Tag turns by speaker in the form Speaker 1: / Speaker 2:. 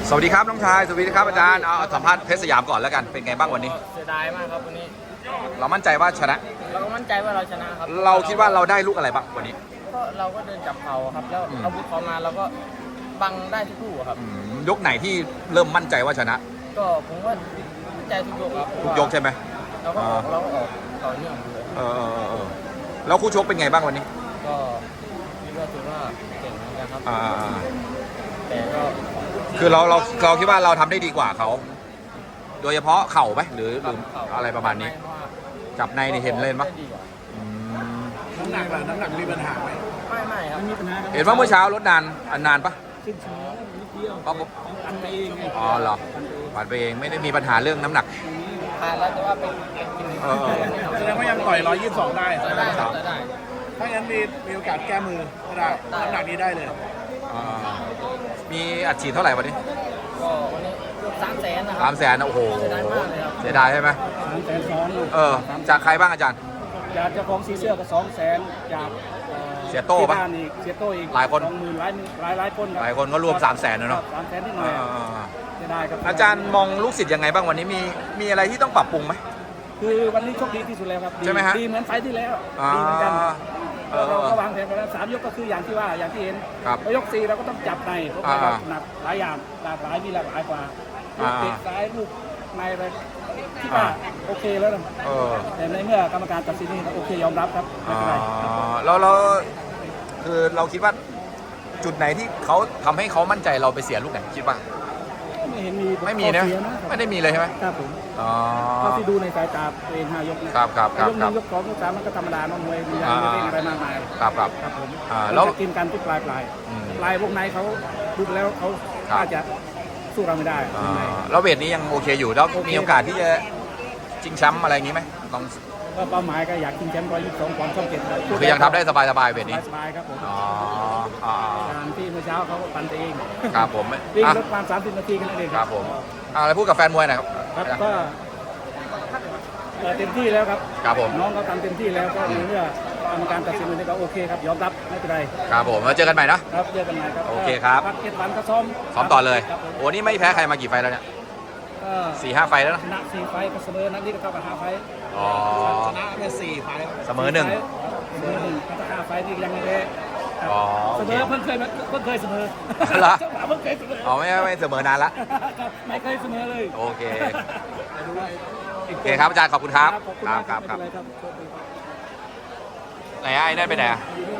Speaker 1: สวัสดีครับน้องชายสวัสดีครับอาจารย์เอาสัมภาษณ์เพชรสยามก่อนแล้วกันเป็นไงบ้างวันนี้
Speaker 2: เสียดายมากครับวันนี้
Speaker 1: เรามั่นใจว่าชนะ
Speaker 2: เราก็มั่นใจว่าเราชนะครับ
Speaker 1: เราคิดว่าเราได้ลูกอะไรบ้างวันนี้
Speaker 2: ก็เราก็เดินจับเขาครับแล้วอาวุธเขามาเราก็บังได้ทุกลูกครับ
Speaker 1: ยกไหนที่เริ่มมั่นใจว่าชนะ
Speaker 2: ก็ผมว่ามั่นใจทุกยกครับ
Speaker 1: ทุกยกใช่ไหม
Speaker 2: เราก็ออกต่อเนื่องเลย
Speaker 1: แล้วคู่ชกเป็นไงบ้างวันนี้
Speaker 2: ก็คิดว่าถือว่าเก่งเหมือนกันครับแต่ก็
Speaker 1: คือเราคิดว่าเราทำได้ดีกว่าเขาโดยเฉพาะเข่าไหมหรืออะไรประมาณนี้จับในนี่เห็นเลยมั้ย
Speaker 3: น้ำหนักล่ะน้ำหนักมีปัญหาไหม
Speaker 2: ไม่ครับไม่มีปัญหา
Speaker 1: เห็นว่าเมื่อเช้ารถนานปะ
Speaker 2: ขึ้นช้านิดเดียวอันไปเอง
Speaker 1: อ๋อเหรอผ่านไปเองไม่ได้มีปัญหาเรื่องน้ำหนัก
Speaker 2: ผ่านแล้วแต่ว่าเป็น
Speaker 3: แสดงว่ายังต่อย122ได้
Speaker 2: ได้
Speaker 3: ถ้างั้นมีโอกาสแก้มือก็ได้น้ำหนักนี้ได้เลย
Speaker 1: มีอัดฉีดเท่าไหร่วันนี้
Speaker 2: ก็วันนี้300,000นะครับ
Speaker 1: 300,000โอ้โห
Speaker 2: เสียดายมากเลยครับ
Speaker 1: เสียดายใช่ไหม
Speaker 3: 300,000
Speaker 1: จากใครบ้างอาจารย์
Speaker 3: จากเจ้าของสีเสื้อก็200,000จาก
Speaker 1: เสียโต้ปะ
Speaker 3: เสียโต้อีก
Speaker 1: หลายคน
Speaker 3: 20,000หลายคน
Speaker 1: หลายคนก็รวม300,000เนาะ
Speaker 3: 300,000นิดหน่อยเสียดายครับ
Speaker 1: อาจารย์มองลูกศิษย์ยังไงบ้างวันนี้มีอะไรที่ต้องปรับปรุงไหม
Speaker 3: คือวันนี้โชคดีที่สุดแล้วครับ
Speaker 1: ใช่ไหมฮะ
Speaker 3: ดีเหมือนไฟที่แล้วดีเหมือนกันเราก็วางแผนไปแล้ว3 ยกก็คืออย่างที่เห็นยก4เราก็ต้องจับในเพราะว่าหนักหลายอย่างหลากหลายมีหลากหลายกว่าลูกเตะซ้ายลูกในอะไรที่ว่าโอเคแล้วนะแต่ในเมื่อกรรมการตัดสินนี่โอเคยอมรับครับไม่เป็นไร
Speaker 1: เราคือเราคิดว่าจุดไหนที่เขาทำให้เขามั่นใจเราไปเสียลูกไหนคิดว่า
Speaker 3: ไม่เห็นมี
Speaker 1: ไม่มีนะไม่ได้มีเลยใช่ไหม
Speaker 3: ครับผมเท่าที่ดูในสายตาตัวเอง5 ยก
Speaker 1: ครับ
Speaker 3: ยก1ยก2ยก3มันก็ธรรมดาน้องมวยมีอะไรเล่นอะไรมากมาย
Speaker 1: ครับ
Speaker 3: ผม
Speaker 1: แล้ว
Speaker 3: กินกันทุกปลายวงในเขาดูแล้วเขาน่าจะสู้เราไม่ได้
Speaker 1: แล้วเวทนี้ยังโอเคอยู่แล้วมีโอกาสที่จะชิงแชมป์อะไรอย่างนี้ไหมต้อง
Speaker 3: ก็เป้าหมายก็อยากชิงแชมป์122 ปอนด์ช่อง 7
Speaker 1: คือยังทำได้สบายเวทนี้
Speaker 3: สบายครับผมการที่เมื่อเช้าเขาปั่นเอง
Speaker 1: ครับผม
Speaker 3: วิ่งรถประมาณ30 นาทีกันเอง
Speaker 1: ครับผมอะไรพูดกับแฟนมวยหน่อย
Speaker 3: ครับก็เต็มที่แล้วครับ
Speaker 1: ครับผม
Speaker 3: น้องเขาทำเต็มที่แล้วก็เมื่อกรรมการตัดสินวันนี้ก็โอเคครับยอมรับไม่เป็นไร
Speaker 1: ครับผมมาเจอกันใหม่นะครับ
Speaker 3: เจอกันใหม่ครับ
Speaker 1: โอเคครับ
Speaker 3: พัก7 วันก็ซ้อม
Speaker 1: ต่อเลยโอ้นี่ไม่แพ้ใครมากี่ไฟแล้วเนี่ย4-5 ไฟแล้ว
Speaker 3: ชนะ4 ไฟก็เสมอนัดนี้ก็เท่ากับ5 ไฟชนะไป4 ไฟ
Speaker 1: เสมอ1
Speaker 3: 5 ไฟนี่ยังไม่ได้เสมอเพิ่งเคยเสมอ
Speaker 1: เหรอ
Speaker 3: เพิ่งเคยเสมอ
Speaker 1: ไม่เสมอนานละ
Speaker 3: ไม่เคยเสมอเลย
Speaker 1: โอเคครับอาจารย์ขอบคุณครับครับไหนไอ้ได้ไปไหน